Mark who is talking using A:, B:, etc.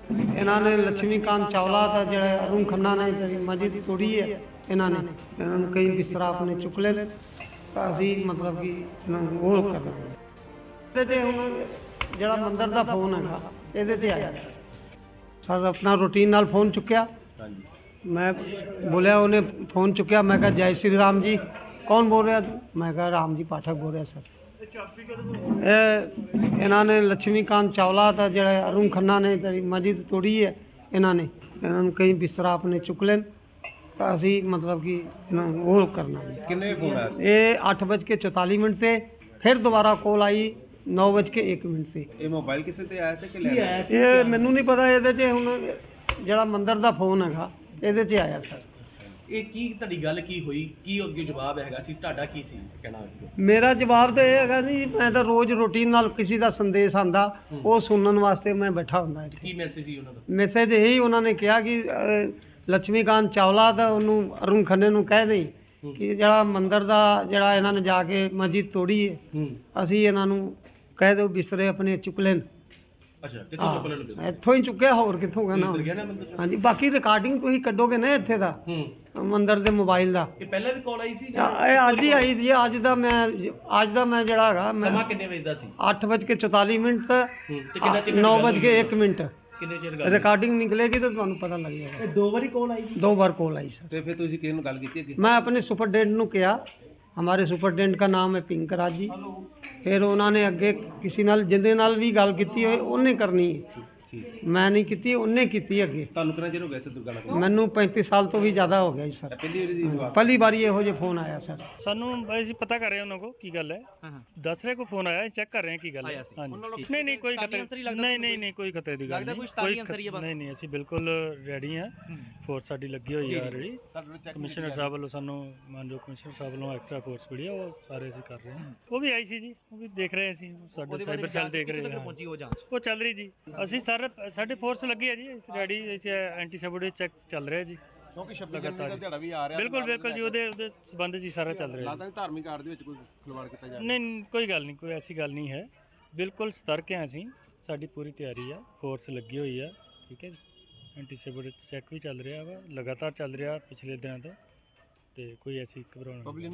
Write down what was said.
A: इन्होंने लक्ष्मीकांत चावला था जो अरुण खन्ना ने जी मस्जिद तोड़ी है इन्होंने कई बिस्तरा अपने चुक ले तो असी मतलब कि वो करना हूँ जो मंदिर का फोन है ये आया सर अपना रूटीन नाल फोन चुकया मैं बोलिया उन्हें फोन चुकया मैं कहा जय श्री राम जी कौन बोल रहा तू मैं कहा राम जी पाठक बोल रहा सर इन्होंने लक्ष्मीकांत चावला था जो अरुण खन्ना ने जी मस्जिद तोड़ी है इन्होंने कई बिस्तरा अपने चुक ले तो असी मतलब कि वो करना
B: किन्ने फोन आया
A: ये 8:44 से फिर दोबारा कॉल आई 9:01 से
B: ये मोबाइल किसे ते आया थे कि लैंड
A: ये मैनू नहीं पता ये ਹੁਣ ਜਿਹੜਾ ਮੰਦਰ ਦਾ ਫੋਨ ਹੈਗਾ ਇਹਦੇ 'ਚ ਆਇਆ ਸਰ
C: ਇਹ ਕੀ ਤੁਹਾਡੀ ਗੱਲ ਕੀ ਹੋਈ ਕੀ ਅੱਗੇ ਜਵਾਬ ਹੈਗਾ ਸੀ ਤੁਹਾਡਾ ਕੀ ਸੀ ਕਹਿਣਾ
A: ਮੇਰਾ ਜਵਾਬ ਤਾਂ ਇਹ ਹੈਗਾ ਜੀ ਮੈਂ ਤਾਂ ਰੋਜ਼ ਰੂਟੀਨ ਨਾਲ ਕਿਸੇ ਦਾ ਸੰਦੇਸ਼ ਆਂਦਾ ਉਹ ਸੁਣਨ ਵਾਸਤੇ ਮੈਂ ਬੈਠਾ ਹੁੰਦਾ ਇੱਥੇ
C: ਕੀ ਮੈਸੇਜ ਸੀ ਉਹਨਾਂ ਦਾ
A: ਮੈਸੇਜ ਇਹੀ ਉਹਨਾਂ ਨੇ ਕਿਹਾ ਕਿ ਲక్ష్ਮੀਕਾਂਤ ਚਾਵਲਾ ਦਾ ਉਹਨੂੰ ਅਰੁਣ ਖੰਨੇ ਨੂੰ ਕਹਿ ਦੇਈ ਕਿ ਜਿਹੜਾ ਮੰਦਰ ਦਾ ਜਿਹੜਾ ਇਹਨਾਂ ਨੇ ਜਾ ਕੇ ਮਸਜਿਦ ਤੋੜੀ ਹੈ ਅਸੀਂ ਇਹਨਾਂ ਨੂੰ ਕਹਿ ਦਿਓ ਬਿਸਤਰੇ ਆਪਣੇ ਚੁੱਕ ਲੈਣ
C: ਅੱਛਾ ਕਿੱਥੋਂ ਚੁੱਕ ਲੈਣਗੇ
A: ਇੱਥੋਂ ਹੀ ਚੁੱਕਿਆ ਹੋਰ ਕਿੱਥੋਂ ਕਹਿਣਾ ਹਾਂਜੀ ਬਾਕੀ ਰਿਕਾਰਡਿੰਗ ਤੁਸੀਂ ਕੱਢੋਗੇ ਨਾ ਇੱਥੇ ਦਾ ਮੰਦਰ ਦੇ ਮੋਬਾਈਲ ਦਾ
C: ਇਹ ਪਹਿਲਾਂ ਵੀ ਕਾਲ ਆਈ ਸੀ
A: ਇਹ ਅੱਜ ਹੀ ਆਈ ਜੀ ਅੱਜ ਦਾ ਮੈਂ ਜਿਹੜਾ ਹੈਗਾ ਮੈਂ
C: ਸਮਾਂ ਕਿੰਨੇ ਵਜੇ ਦਾ ਸੀ
A: 8:44
C: ਤੇ ਕਿੰਨਾ ਚਿਰ
A: 9:01
C: ਕਿੰਨੇ ਚਿਰ
A: ਰਿਕਾਰਡਿੰਗ ਨਿਕਲੇਗੀ ਤਾਂ ਤੁਹਾਨੂੰ ਪਤਾ ਲੱਗ ਜਾਏਗਾ
C: ਇਹ ਦੋ ਵਾਰੀ ਕਾਲ ਆਈ
A: ਦੋ ਬਾਰ ਕॉल आई सर
B: ਤੇ ਫਿਰ ਤੁਸੀਂ ਕਿਹਨੂੰ ਨੂੰ ਗੱਲ ਕੀਤੀ ਅੱਗੇ
A: मैं अपने सुपरडेंट ਨੂੰ किया हमारे सुपरडेंट का नाम है पिंकराज जी फिर उन्होंने अगे किसी नाल जिंदे नाल भी गल की होए उन्हें करनी है मैं नहीं की उन्हें की अगे
B: ਤੁਹਾਨੂੰ ਕਿੰਨਾ ਚਿਰ ਹੋ ਗਿਆ ਸੀ ਦੁਕਾਨਾਂ ਕੋਲ
A: मैनू 35 साल तो भी ज़्यादा हो गया जी सर
B: ਪਹਿਲੀ ਵਾਰੀ ਦੀ ਜਵਾਬ
A: पहली बार ਇਹੋ ਜਿਹੇ ਫੋਨ ਆਇਆ ਸਰ
D: ਸਾਨੂੰ ਅਸੀਂ ਪਤਾ ਕਰ ਰਹੇ ਹਾਂ ਉਹਨਾਂ ਕੋ ਕੀ ਗੱਲ ਹੈ ਦੱਸ ਰਹੇ ਕੋ ਫੋਨ ਆਇਆ ਚੈੱਕ ਕਰ ਰਹੇ ਹਾਂ ਕੀ ਗੱਲ ਹੈ ਹਾਂਜੀ ਨਹੀਂ ਕੋਈ ਖਤਰੇ ਨਹੀਂ ਕੋਈ ਖਤਰੇ ਦੀ ਗੱਲ ਨਹੀਂ ਅਸੀਂ ਬਿਲਕੁਲ ਰੈਡੀ ਹਾਂ ਫੋਰਸ ਸਾਡੀ ਲੱਗੀ ਹੋਈ ਹੈ ਆਲਰੇਡੀ ਕਮਿਸ਼ਨਰ ਸਾਹਿਬ ਵੱਲੋਂ ਸਾਨੂੰ ਮਾਨਯੋਗ ਕਮਿਸ਼ਨਰ ਸਾਹਿਬ ਵੱਲੋਂ ਐਕਸਟਰਾ ਫੋਰਸ ਮਿਲੀ ਹੈ ਉਹ ਸਾਰੇ ਅਸੀਂ ਕਰ ਰਹੇ ਹਾਂ ਉਹ ਵੀ ਆਈ ਸੀ ਜੀ ਉਹ ਵੀ ਦੇਖ ਰਹੇ ਸੀ ਸਾਡੇ ਸਾਈਬਰ ਸੈੱਲ ਦੇਖ ਰਹੇ ਹਾਂ ਉਹ ਚੱਲ ਰਹੀ ਜੀ ਅਸੀਂ ਸਾਡੇ ਫੋਰਸ ਲੱਗੀ ਹੈ ਜੀ ਰੈਡੀ ਐਂਟੀ ਸੈਬੋਟੇਜ ਚੈੱਕ ਚੱਲ ਰਿਹਾ ਜੀ
B: ਕਿਉਂਕਿ 26 ਜਨਵਰੀ ਦਾ ਦਿਹਾੜਾ ਵੀ ਆ ਰਿਹਾ
D: ਬਿਲਕੁਲ ਜੀ ਉਹਦੇ ਸੰਬੰਧ ਜੀ ਸਾਰਾ ਚੱਲ ਰਿਹਾ
B: ਲੱਗਦਾ ਨਹੀਂ ਧਾਰਮਿਕ ਆੜ ਦੇ ਵਿੱਚ ਕੋਈ ਖਿਲਵਾੜ ਕੀਤਾ ਜਾ ਰਿਹਾ
D: ਨਹੀਂ ਕੋਈ ਗੱਲ ਨਹੀਂ ਕੋਈ ਐਸੀ ਗੱਲ ਨਹੀਂ ਹੈ ਬਿਲਕੁਲ ਸਤਰਕ ਹਾਂ ਅਸੀਂ ਸਾਡੀ ਪੂਰੀ ਤਿਆਰੀ ਆ ਫੋਰਸ ਲੱਗੀ ਹੋਈ ਆ ਠੀਕ ਹੈ ਜੀ ਐਂਟੀ ਸੈਬੋਟੇਜ ਚੈੱਕ ਵੀ ਚੱਲ ਰਿਹਾ ਵਾ ਲਗਾਤਾਰ ਚੱਲ ਰਿਹਾ ਪਿਛਲੇ ਦਿਨਾਂ ਤੋਂ ਤੇ ਕੋਈ ਐਸੀ ਘਬਰਾਉਣ